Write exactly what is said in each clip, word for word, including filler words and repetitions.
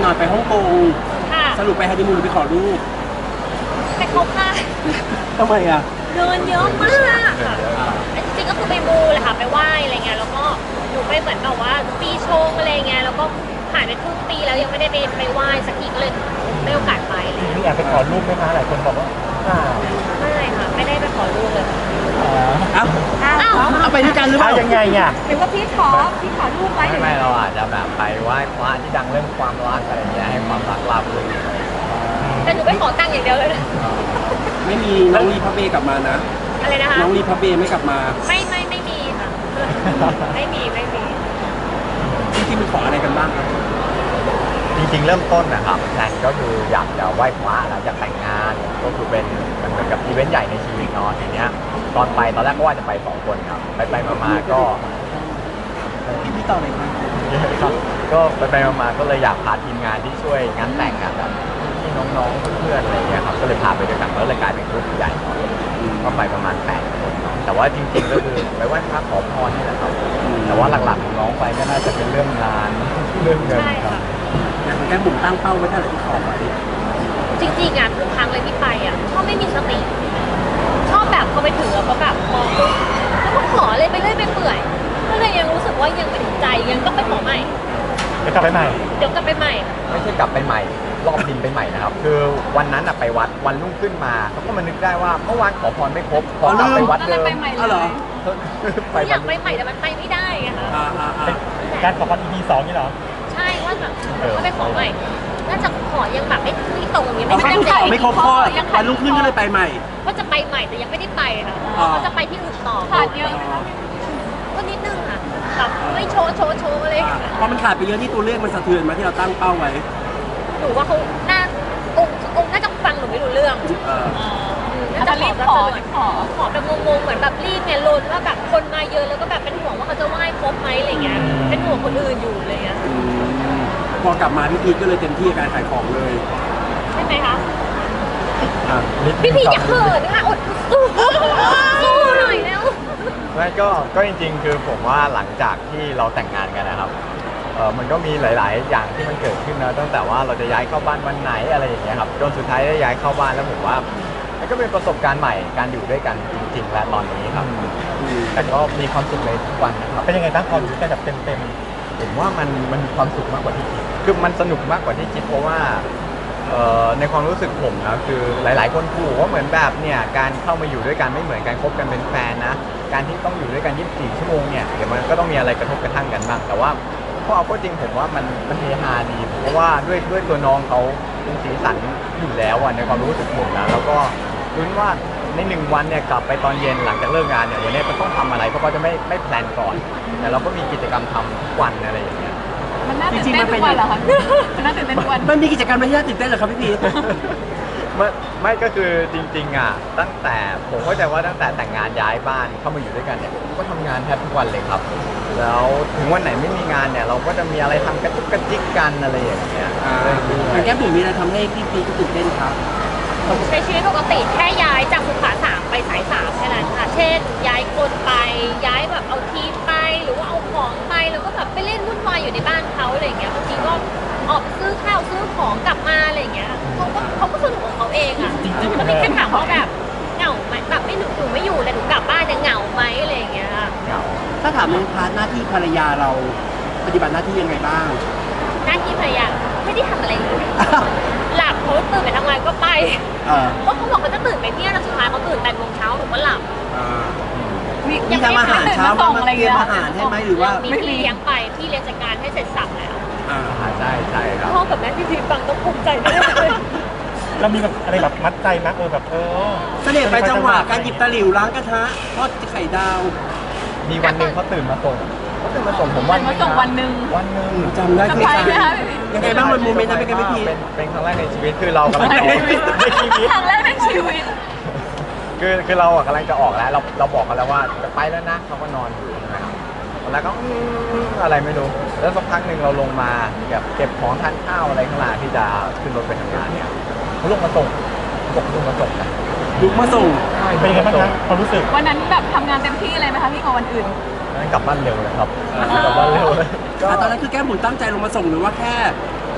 หน่อยไปฮ่องกงสรุปไปฮันนีมูนหรือไปขอรูปไปเขาค่ะทำไมอ่ะเดินเยอะมากค่ะจริงๆก็คือไปมูแหละค่ะไปไหว้อะไรเงี้ยแล้วก็หนูไปเหมือนแบบว่าปีชงอะไรเงี้ยแล้วก็ผ่านไปครึ่งปีแล้วยังไม่ได้ไปไปไหว้สักทีก็เลยไม่โอกาสไปเลยนี่แอบไปขอรูปไหมคะหลายคนบอกว่าไม่ค่ะไม่ได้ไปขอรูปเลยอ้าวเอาไปด้วยกันหรือเปล่ายังไงอ่ะหรือว่าพี่ขอพี่ขอรูปไว้ไม่ไม่เราอาจจะแบบไปไหว้พระที่ดังเรื่องความรักอะไรอย่างเงี้ยให้ความรักราบรื่นแต่หนูไปขอตังค์อย่างเดียวเลยนะไม่มีน้องรีพับเบกลับมานะอะไรนะคะน้องรีพับเบไม่กลับมาไม่ไม่ไม่มีค่ะไม่มีไม่มีที่ที่มีขออะไรกันบ้างครับจริงๆเริ่มต้นนะครับแพลนก็คืออยากจะไหว้พระแล้วอยากแต่งงานก็คือเป็นมันเหมือนกับอีเวนต์ใหญ่ในชีวิตเนาะทีเนี้ยตอนไปตอนแรกก็ว่าจะไปสองคนครับไปไปมาๆก็พี่พี่ต่อเลยครับก็ไปไปมาๆก็เลยอยากพาทีมงานที่ช่วยงานแต่งงานแบบพี่น้องๆเพื่อนๆอะไรอย่างเงี้ยครับก็เลยพาไปด้วยกันแล้วเลยกลายเป็นกลุ่มใหญ่ก็ไปประมาณแปดคนแต่ว่าจริงๆก็คือไปไหว้พระขอพรนี่แหละครับแต่ว่าหลักๆของน้องไปก็น่าจะเป็นเรื่องงานเรื่องเงินครับอย่างแก้บุ๋มตั้งเป้าไว้เท่าไหร่ที่ขอไว้จริงๆอ่ะทุกครั้งเลยที่ไปอ่ะชอบไม่มีสติชอบแบบพอไปถึงแล้วก็แบบมองปุ๊บแล้วก็ขอเลยไปเรื่อยไปเปื่อยก็เลยยังรู้สึกว่ายังไม่ถึงใจยังต้องไปขอใหม่เดี๋ยวกลับไปใหม่เดี๋ยวกลับไปใหม่ไม่ใช่กลับไปใหม่รอบบินไปใหม่นะครับคือวันนั้นไปวัดวันรุ่งขึ้นมาเขาก็มานึกได้ว่าเมื่อวานขอพรไม่ครบขอกลับไปวัดเดิมอ๋อเหรออยากไปใหม่แต่มันไปไม่ได้ไงคะการขอพร อี พี สองนี่เหรอใช่ว่าแบบว่าไปขอใหม่น่าจะขอยังแบบไม่ไม่ตรงยังไม่ได้ขอไม่ครบข้อวันรุ่งขึ้นก็เลยไปใหม่ก็จะไปใหม่แต่ยังไม่ได้ไปค่ะก็จะไปที่อื่นต่อขาดเยอะก็นิดนึงค่ะแบบไม่โชว์โชว์โชว์เลยพอมันขาดไปเยอะที่ตัวเลขมันสะเทือนมาที่เราตั้งเป้าไว้หนูว่าเขาน่าองค์องค์น่าจะฟังหนูไม่รู้เรื่องน่าจะรีบขอขอขอแบบงงๆเหมือนแบบรีบไงลนว่าแบบคนมาเยอะแล้วก็แบบเป็นห่วงว่าเขาจะไหว้ครบไหมอะไรเงี้ยเป็นห่วงคนอื่นอยู่อะไรเงี้ยพอกลับมาพี่พีก็เลยเต็มที่กับการขายของเลยใช่ไหมคะพี่พีอย่าเขินค่ะอดสู้สู้หน่อยแล้วไม่ก็ก็จริงๆคือผมว่าหลังจากที่เราแต่งงานกันนะครับเออมันก็มีหลายๆอย่างที่มันเกิดขึ้นนะตั้งแต่ว่าเราจะย้ายเข้าบ้านวันไหนอะไรอย่างเงี้ยครับจนสุดท้ายได้ย้ายเข้าบ้านแล้วผมว่ามันก็เป็นประสบการณ์ใหม่การอยู่ด้วยกันจริงๆและตอนนี้ครับแต่ก็มีความสุขในทุกวันนะครับเป็นยังไงบ้างความรู้สึกแบบเต็มๆผมว่ามันมันมีความสุขมากกว่าที่คิดคือมันสนุกมากกว่าที่คิดเพราะว่าในความรู้สึกผมนะคือหลายๆคนพูดว่าเหมือนแบบเนี่ยการเข้ามาอยู่ด้วยกันไม่เหมือนการคบกันเป็นแฟนนะการที่ต้องอยู่ด้วยกันยี่สิบสี่ชั่วโมงเนี่ยเดี๋ยวมันก็ต้องมีอะไรกระทบกระทั่งกันบ้างแต่ว่าพอเอาก็จริงผมว่ามันมันเฮฮาดีเพราะว่าด้วยด้วยตัวน้องเขาเป็นสีสันอยู่แล้วในความรู้สึกผมนะแล้วก็รู้ว่าในหนึ่งวันเนี่ยกลับไปตอนเย็นหลังจากเลิกงานเนี่ยวันนี้มันต้องทำอะไรเพราะเขาจะไม่ไม่แพลนก่อนแต่เราก็มีกิจกรรมทำทุกวันอะไรอย่างเงี้ยมันน่าตื่นเต้นทุกวันเหรอคะมันน่าตื่นเต้นทุกวันมันมีกิจกรรมอะไรที่น่าตื่นเต้นเหรอครับพี่พีไม่ไม่ก็คือจริงๆอ่ะตั้งแต่ผมเข้าใจว่าตั้งแต่แต่งงานย้ายบ้านเข้ามาอยู่ด้วยกันเนี่ยก็ทำงานแทบทุกวันเลยครับแล้วถึงวันไหนไม่มีงานเนี่ยเราก็จะมีอะไรทำกระจุกกระจิกกันอะไรอย่างเงี้ยแก้มบุ๋มมีอะไรทำให้พี่พีก็ตื่นเต้นครับใช้ชีวิตปกติแค่ย้ายจากสุขาสามไปสายสามแค่นั้นค่ะเช่นย้ายคนไปย้ายแบบเอาทีไปหรือว่าเอาของไปแล้วก็แบบไปเล่นวุ่นวายอยู่ในบ้านเขาอะไรอย่างเงี้ยบางทีก็ออกซื้อข้าวซื้อของกลับมาอะไรอย่างเงี้ยเขาก็เขาก็สนุกของเขาเองอ่ะแล้วมีแค่ถามว่าแบบเหงาไหมแบบไม่หนูหนูไม่อยู่แต่หนูกลับบ้านจะเหงาไหมอะไรอย่างเงี้ยเหงาถ้าถามในพาร์ทหน้าที่ภรรยาเราปฏิบัติหน้าที่ยังไงบ้างหน้าที่ภรรยาไม่ได้ทำอะไรเลยหลับเขาตื่นไปทำงานก็ไปเพราะเขาบอกเขาจะตื่นไปเที่ยงแล้วสุดท้ายเขาตื่นแปดโมงเช้าหนูก็หลับมีทำอาหารเช้ามาเตรียมอาหารให้ไหมหรือว่ามีพี่เลี้ยงไปพี่เลี้ยงจัดการให้เสร็จสับแล้วอ่าใช่ใช่ครับพ่อกับแม่พี่พีฟังต้องภูมิใจแน่เลยเรามีแบบอะไรแบบมัดใจมั้ยเออแบบเออเสน่ห์ไปจังหวะการหยิบตะหลิวล้างกระทะทอดไข่ดาวมีวันหนึ่งเขาตื่นมาส่งเขาตื่นมาส่งผมวันมาส่งวันหนึ่งวันหนึ่งจำได้คือยังไงบ้างมันโมเมนต์นั้นเป็นไงพี่พีเป็นเป็นครั้งแรกในชีวิตคือเรากำลังจะในชีวิตครั้งแรกในชีวิตคือคือเรากำลังจะออกแล้วเราเราบอกกันแล้วว่าจะไปแล้วนะเขาก็นอนอยู่ใช่ไหมครับแล้วก็อะไรไม่รู้แล้วสักพักหนึ่งเราลงมาเก็บเก็บของทานข้าวอะไรข้างล่างที่จะขึ้นรถไปทำงานเนี่ยเขาลงมาส่งบอกลงมาส่งนะลุกมาส่งเป็นยังไงบ้างครับความรู้สึกวันนั้นแบบทำงานเต็มที่เลยไหมคะพี่กว่าวันอื่นนั้นกลับบ้านเร็วเลยครับกลับบ้านเร็วเลยตอนนั้นคือแก้มบุ๋มตั้งใจลงมาส่งหรือว่าแค่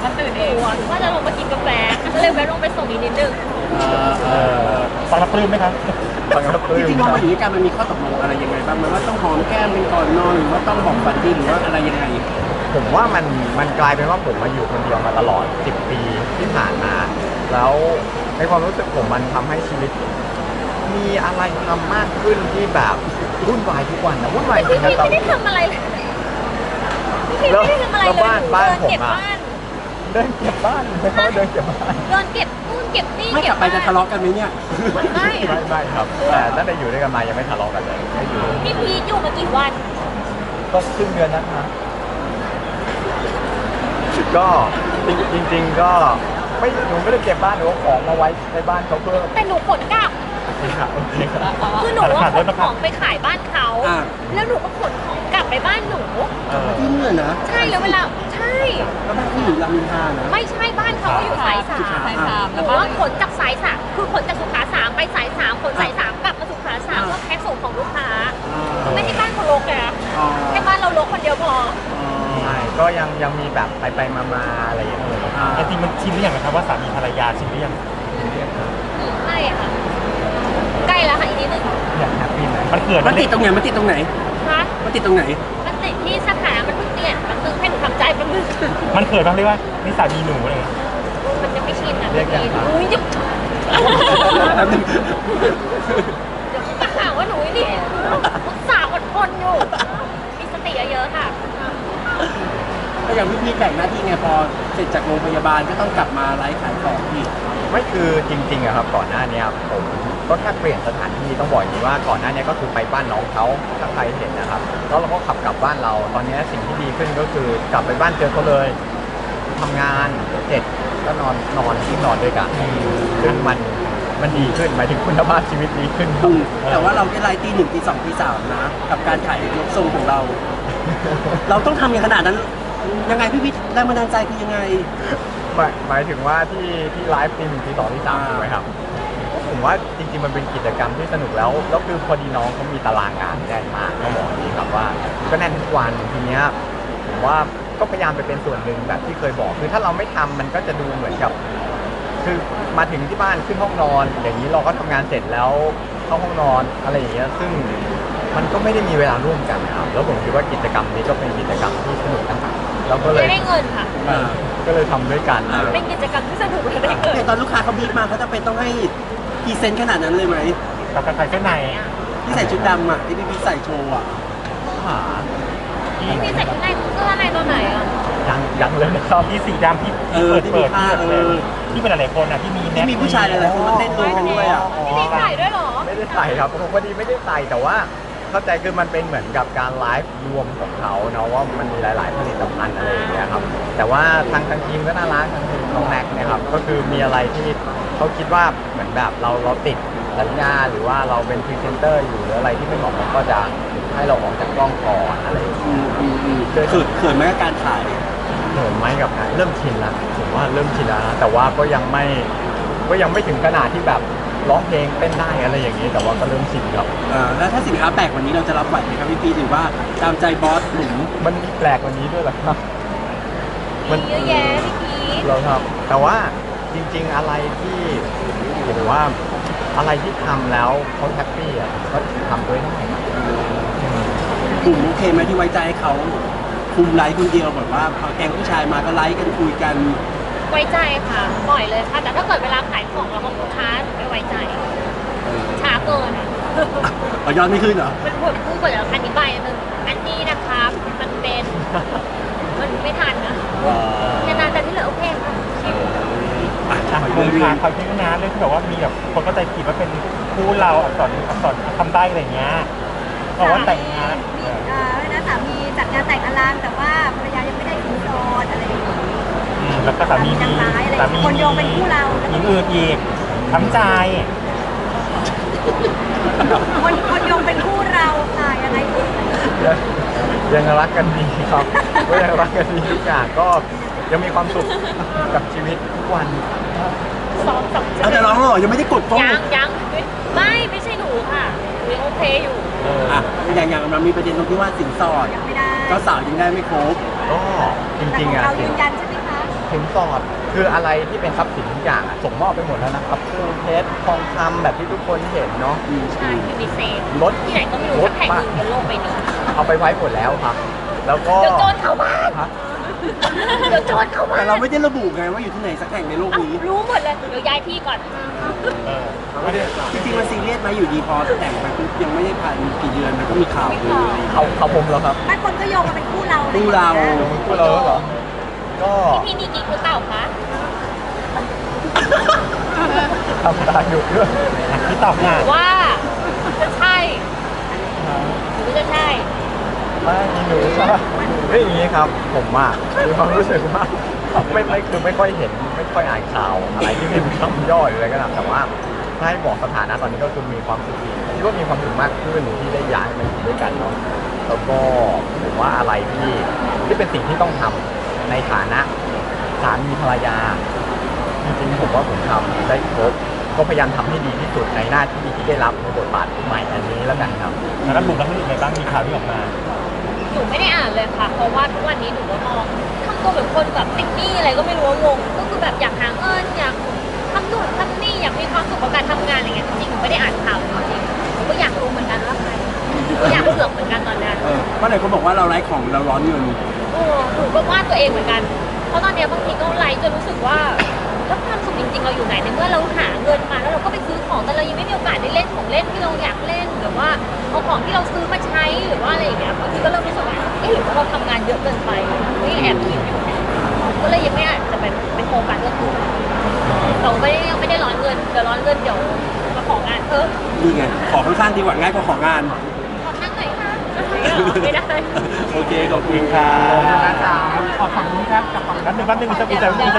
มันตื่นเองว่าจะลงมากินกาแฟก็เลยแวะลงไปส่งอีกนิดนึงเออฟังแล้วปลื้มไหมครับฟังแล้วปลื้จมริงๆพอมาอยู่ด้วยกันมันมีข้อตกลงอะไรยังไงบ้างไหมว่าต้องหอมแก้มเป็นก่อนนอนหรือว่าต้องบอกฝันดีหรือว่าอะไรยังไงผมว่ามันมันกลายเป็นว่าผมมาอยู่คนเดียวมาตลอดสิบปีที่ผ่านมา แล้วในความรู้สึกผมมันทำให้ชีวิต มีอะไรทำมากขึ้นที่แบบวุ่นวายทุกวันนะวุ่นวายจริพี่งนะพี่ตอนไม่ได้ทำอะไรเลยพี่ไม่ได้ทำอะไรแล้วเลยบ้านหนูบ้านเดินผมเก็บอะบ้านเดินเก็บบ้านไม่เขาเดินเก็บบ้านเดินเก็บนู่นเก็บนี่ไม่กเก็ลับบไปบ้านจะทะเลาะกันไหมเนี่ยไม่ไม่ไม่ครับแต่ตั้งแต่อยู่ด้วยกันมายังไม่ทะเลาะกันเลยไม่อยู่พี่พีทอยู่มากี่วันก็ครึ่งเดือนนะคะก็จริงจริง ๆ ก็ไม่หนูไม่ได้เก็บบ้านหนูเอาของมาไว้ในบ้านเขาเพิ่มแต่หนูขนกลับครับโอเคครับคือหนูว่าขนของไปขายบ้านเขาอ่าแล้วหนูก็ขนของกลับไปบ้านหนูเออที่เนี่ยนะใช่แล้วเวลาใช่แล้วบ้านที่อยู่รามอินทรานะไม่ใช่บ้านเขาก็อยู่สายสามสายสามหนูว่าขนจากสายสามคือขนจากสุขาสามไปสายสามขนสายสามกลับมาสุขาสามอ่าเพื่อแพ็คส่งของลูกค้าอ่าไม่ใช่บ้านเขารกเลยนะอ๋อแค่บ้านเรารกคนเดียวพอใช่ก็ยังยังมีแบบไปไปมามาอะไรอย่างเงี้ยอ่าจริงๆมันชินหรือยังนะครับว่าสามีภรรยาชินหรือยังใช่ค่ะ ใกล้แล้วค่ะอีกนิดนึงอยากแฮปปี้ไหมมันเกิดมันติดตรงไหนมันติดตรงไหนคะมันติดตรงไหนมันติดที่สถานะมันเพิ่งเปลี่ยนแป๊บนึงให้หนูทำใจแป๊บนึงมันเกิดบ้างเรียกว่านี่สามีหนูอะไรอย่างเลยมันจะไม่ชินอ่ะเรียกยังครับอุ้ยจะแป๊บนึงเดี๋ยวเขาจะหาว่าหนูนี่อุตส่าห์อดทนอยู่ มีสติเยอะๆค่ะก็อย่างพี่พีแบ่งหน้าที่ไงพอเสร็จจากโรงพยาบาลก็ต้องกลับมาไลฟ์ขายของพี่ไม่คือจริงๆอะครับก่อนหน้าเนี้ยผมก็แค่เปลี่ยนสถานที่ต้องบอกอย่างนี้ว่าก่อนหน้าเนี้ยก็คือไปบ้านน้องเขาถ้าใครเห็นนะครับแล้วเราก็ขับกลับบ้านเราตอนเนี้ยสิ่งที่ดีขึ้นก็คือกลับไปบ้านเจอเขาเลยทำงานเสร็จก็นอนนอนที่นอนด้วยกันซึ่งมันมันดีขึ้นหมายถึงคุณภาพชีวิตดีขึ้นครัอืบมแต่ว่าเราได้ไลฟ์ตีหนึ่งตีสองตีสามนะ กับการถ่ายยกทรงของเรา เราต้องทำอย่างขนาดนั้น ยังไงพี่พีแรงบันดาลใจคือยังไงหมายหมายถึงว่าที่ที่ไลฟ์ทีหนึ่งทีสองทีสามอ่าถูกไหมครับผมว่าจริงๆมันเป็นกิจกรรมที่สนุกแล้วแล้วคือพอดีน้องเขามีตารางงานแน่นมากเขาบอกอย่างนี้ครับว่าก็แน่นทุกวันทีเนี้ยผมว่าก็พยายามไปเป็นส่วนหนึ่งแบบที่เคยบอกคือถ้าเราไม่ทำมันก็จะดูเหมือนกับ คือมาถึงที่บ้านขึ้นห้องนอน อย่างนี้เราก็ทำงานเสร็จแล้วเข้าห้องนอนอะไรอย่างเงี้ยซึ่งมันก็ไม่ได้มีเวลาร่วมกันนะครับแล้วผมคิดว่ากิจกรรมนี้ก็เป็นกิจกรรมที่สนุกนะครับแล้วก็เลยไม่ได้เงินค่ะอ่าก็เลยทำด้วยกันเป็นกิจกรรมที่สนุกและได้เงินแต่ตอนลูกค้าเขาบีบมาเขาจะเป็นต้องให้พรีเซนต์ขนาดนั้นเลยไหมกับการใส่เสื้อในที่ใส่ชุดดำอ่ะที่พี่พีใส่โชว์อ่ะหาที่พี่ใส่ข้างในเสื้อในตัวไหนอ่ะยังยังเลยนะครับที่สีดำที่เออเปิดที่มีเปิดผ้าเออที่เป็นหลายๆคนอ่ะที่มีแน็ที่กมีผู้ชายหลายๆคนมาเต้นรวมกันด้วยอ่ะพี่พีใส่ด้วยเหรอไม่ได้ใส่ครับผมพอดีไม่ได้ใส่แต่ว่าเข้าใจคือมันเป็นเหมือนกับการไลฟ์รวมของเขาเนาะว่ามันมีหลาย ๆ ผลิตภัณฑ์อะไรอย่างเงี้ยครับแต่ว่าทางทางทีมก็น่ารักทางทีมน้องแม็กซ์เนะครับก็คือมีอะไรที่เขาคิดว่าเหมือนแบบเราเราติดสัญญาหรือว่าเราเป็นพรีเซนเตอร์อยู่หรืออะไรที่ไม่เหมาะสมก็จะให้เราออกจากกล้องก่อนอะไรอย่างเงี้ยอืมอืมอืมเขินเขินไหมกับการถ่ายเหินไหมกับการเริ่มชินแล้วผมว่าเริ่มชินแล้วนะแต่ว่าก็ยังไม่ก็ยังไม่ถึงขนาดที่แบบร้องเพลงเต้นได้อะไรอย่างนี้ แต่ว่าก็เริ่มชินครับเออแล้วถ้าสินค้าแปลกวันนี้เราจะรับไหวไหมครับพี่พีหรือว่าตามใจบอสหนุ่มมันมีแปลกกว่านี้ด้วยเหรอครับมีเยอะแยะพี่พีทเราครับแต่ว่าจริงๆอะไรที่ผมว่าอะไรที่ทำแล้วเขาแฮปปี้อ่ะก็ทำด้วยได้ครับกลุ่มโอเคไหมที่ไว้ใจให้เขาคุมไลฟ์คนเดียวแบบว่าพอแกงผู้ชายมาก็ไลฟ์กันคุยกันไว้ใจค่ะปล่อยเลยค่ะ แต่ถ้าเกิดเวลาขายของแล้วของลูกค้าหนูไม่ไว้ใจ ช้าเกินอ่ะอ๋อยอดไม่ขึ้นเหรอมันปวดพูดกว่าจะอธิบายอันนึงอันนี้นะครับ มันเป็น มันไม่ทันนะนานๆแต่ที่เหลือโอเคค่ะชิวอ่ะอ่ะขอคุเรื่ณองพาเขาที่นะเรื่องที่แบบว่ามีแบบคนเข้าใจผิดว่าเป็นคู่เราอักษรอักษรคำใบ้อะไรอย่างเงี้ยบอกว่าแต่งงานมีเอ่อนะสามีจัดงานแต่งอลังแต่ว่าภรรยายังไม่ได้ถึงโสดอะไรอย่างนี้อืมแล้วก็สามีนางมีร้ายอะไรสามีคนโยงเป็นคู่เราหญิงอื่นอีกทำใจคนคนโยงเป็นคู่เราค่ะยังไงดียังยังรักกันดีครับก็ยังรักกันดีทุกอย่างก็ยังมีความสุขกับชีวิตทุกวันสองสองเอาแต่ร้องเหรอยังไม่ได้กดกล้องยังยังไม่ไม่ใช่หนูค่ะหนูยังโอเคอยู่อ่ะอย่างอย่างมันมีประเด็นตรงที่ว่าสินสอดยังไม่ได้เจ้าสาวยังได้ไม่ครบก็จแต่ริงของๆอ่ะเราสิยืนนยันใช่ไหมคะสินสอดคืออะไรที่เป็นทรัพย์สินทุกอย่างอะส่งมอบไปหมดแล้วนะครับเครื่องเพชรทองคำแบบที่ทุกคนเห็นเนาะใช่คือมีเซนรถที่ไหนก็ไม่รู้สักแห่งหนึ่งบนโลกใบนี้เอาไปไว้หมดแล้วครับ แล้วก็เดี๋ยวโจรเข้าบ้านฮะเดี๋ยวโจรเข้าบ้าแต่นเราไม่ได้ระบุไงว่าอยู่ที่ไหนสักแห่งในโลกเอ้านี้รู้หมดเลยเดี๋ยวย้ายที่ก่อนเออจริงๆมันซีเรียสไหมอยู่ดีพอแต่งไปปุ๊บยังไม่ได้ผ่านกี่เดือนมันก็มีข่าวเลยเขาเขาผมแล้วครับบางคนก็โยงมาเป็นคู่เราคู่เราลงคู่เราแล้วเหรอก็พี่นี่กี่คือเต่าคะทำตาดุด้วยอ่ะพี่ตอบงานว่าจะใช่หรือไม่จะใช่ไม่หนูใช่เรื่องอย่างนี้ครับ ผมอ่ะมีความรู้สึกว่าไม่ไม่คือไม่ค่อยเห็นไม่ค่อยอ่านข่าวอะไรที่เป็นคำย่อยหรืออะไรก็ตามแต่ว่าถ้าให้บอกสถานะตอนนี้ก็คือมีความสุขคิดว่ามีความสุขมากขึ้นที่ได้ย้ายมาอยู่ด้วยกันเนาะแล้วก็ผมว่าอะไรที่ที่เป็นสิ่งที่ต้องทำในฐานะสามีภรรยา จริงๆผมว่าผมทำได้ครบก็พยายามทำให้ดีที่สุดในหน้าที่ที่ได้รับในบทบาทใหม่อันนี้แล้วกันครับแล้วก็บุกแล้วเป็นยังไงบ้างมีข่าวที่ออกมาหนูไม่ได้อ่านเลยค่ะ เพราะว่าทุกวันนี้หนูก็มองทำตัวเหมือนคนแบบติดหนี้อะไรก็ไม่รู้ว่างงก็คือแบบอยากหาเงินอยากทำนู่นทำนี่อยากมีความสุขกับการทำงานอะไรเงี้ยจริงๆหนูไม่ได้อ่านข่าวจริงๆหนูก็อยากรู้เหมือนกันว่าใครก็อยากเสือกเหมือนกันตอนเนี้ยเออเพราะไหนคนบอกว่าเราไร้ของเราร้อนเงินโอ้หนูก็ว่าตัวเองเหมือนกัน เพราะตอนเนี้ยบางทีก็ไลฟ์จนรู้สึกว่าแล้วความสุขจริงๆเราอยู่ไหนในเมื่อเราหาเงินมาแล้วเราก็ไปซื้อของแต่เรายังไม่มีโอกาสได้เล่นของเล่นที่เราอยากเล่นหรือว่าเอาของที่เราซื้อมาใช้หรือว่าอะไรอย่างเงี้ยบางทีก็เริ่มรู้สึกว่าเอ๊ะหรือว่าเราทำงานเยอะเกินไปก็ยังแอบคิดอยู่ก็เลยยังไม่อาจจะเป็นเป็นโครงการเรื่องอื่นเราไม่ได้ยังไม่ได้ร้อนเงินเดี๋ยวร้อนเงินเดี๋ยวมาของงานเพิ่มนี่ไงขอค่อนข้างดีกว่าง่ายกว่าของงานขอนั่งหน่อยค่ะไม่ได้โอเคขอบคุณครับขอฝั่งนู้นครับกับฝั่งนั้นหนึ่งแป๊บนึงมีสกุลแต่มีส